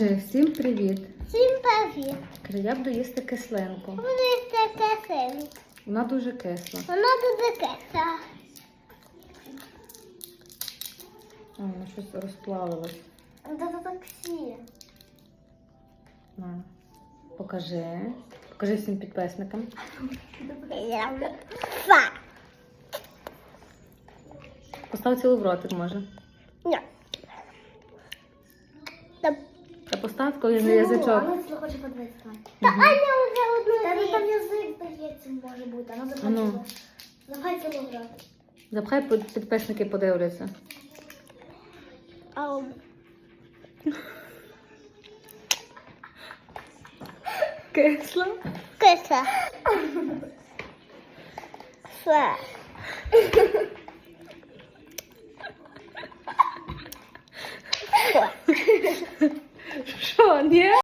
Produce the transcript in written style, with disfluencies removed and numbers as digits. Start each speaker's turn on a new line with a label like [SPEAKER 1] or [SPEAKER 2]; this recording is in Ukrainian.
[SPEAKER 1] Всім привіт!
[SPEAKER 2] Всім привіт!
[SPEAKER 1] Я буду їсти кислинку.
[SPEAKER 2] Буду їсти кислинку.
[SPEAKER 1] Вона дуже кисла.
[SPEAKER 2] Вона дуже кисла.
[SPEAKER 1] Вона щось розплавилось.
[SPEAKER 2] Це так всі.
[SPEAKER 1] На, покажи. Покажи всім підписникам. Постав цілу в ротик, може.
[SPEAKER 2] Ні.
[SPEAKER 1] Та постав коли на язичок.
[SPEAKER 3] Аня хоче подивитися.
[SPEAKER 2] Та Аня вже одну
[SPEAKER 3] Та
[SPEAKER 2] з'їла.
[SPEAKER 3] там язик здається, може бути. Вона захотіла. Давай цілу грати.
[SPEAKER 1] Запхай, підписники подивляться.
[SPEAKER 2] Ау.
[SPEAKER 1] Кисла?
[SPEAKER 2] Кисла. Все.
[SPEAKER 1] Що, ні?